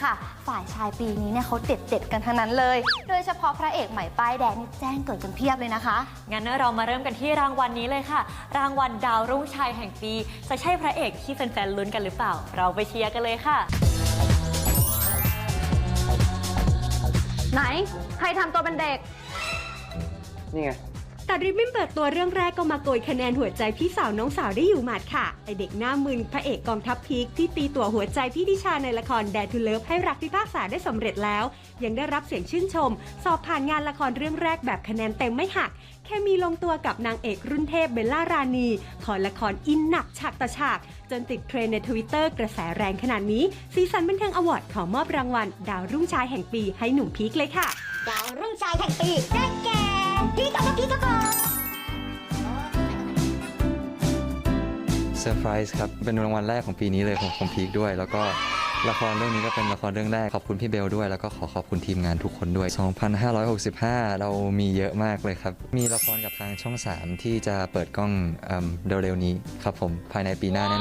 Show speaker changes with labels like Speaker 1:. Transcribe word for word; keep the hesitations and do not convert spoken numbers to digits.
Speaker 1: ค่ะฝ่ายชายปีนี้เนี่ยเขาเด็ดเด็ดกันทั้งนั้นเลยโดยเฉพาะพระเอกใหม่ป้ายแดงนี่แจ้งเกิดกันเพียบเลยนะคะ
Speaker 2: งั้นเรามาเริ่มกันที่รางวัลนี้เลยค่ะ รางวัลดาวรุ่งชายแห่งปีจะใช่พระเอกที่แฟนๆลุ้นกันหรือเปล่าเราไปเชียร์กันเลยค่ะ
Speaker 1: ไหนใครทำตัวเป็นเด็ก
Speaker 3: นี่ไง
Speaker 4: ตัดริบบิ้นเปิดตัวเรื่องแรกก็มาโกยคะแนนหัวใจพี่สาวน้องสาวได้อยู่หมัดค่ะไอเด็กหน้ามึนพระเอกกองทัพพีคที่ตีตัวหัวใจพี่ดิชาในละครแดทูเลิฟให้รักพิพากษาได้สำเร็จแล้วยังได้รับเสียงชื่นชมสอบผ่านงานละครเรื่องแรกแบบคะแนนเต็มไม่หักแค่มีลงตัวกับนางเอกรุ่นเทพเบลล่ารานีขอละครอินหนักฉากต่อฉากจนติดเทรนด์ในทวิตเตอร์กระแสแรงขนาดนี้ซีซันบันเทิงอวอร์ดขอมอบรางวัลดาวรุ่งชายแห่งปีให้หนุ่มพีคเลยค่ะ
Speaker 5: ดาวรุ่งชายแห่งปีได้แก่พี่กับพี่กับผม
Speaker 3: เซอร์ไพรส์ครับเป็นรางวัลแรกของปีนี้เลยของของพีคด้วยแล้วก็ละครเรื่องนี้ก็เป็นละครเรื่องแรกขอบคุณพี่เบลด้วยแล้วก็ขอขอบคุณทีมงานทุกคนด้วยสองพันห้าร้อยหกสิบห้าเรามีเยอะมากเลยครับมีละครกับทางช่องสามที่จะเปิดกล้องเร็วๆนี้ครับผมภายในปีหน้าแน่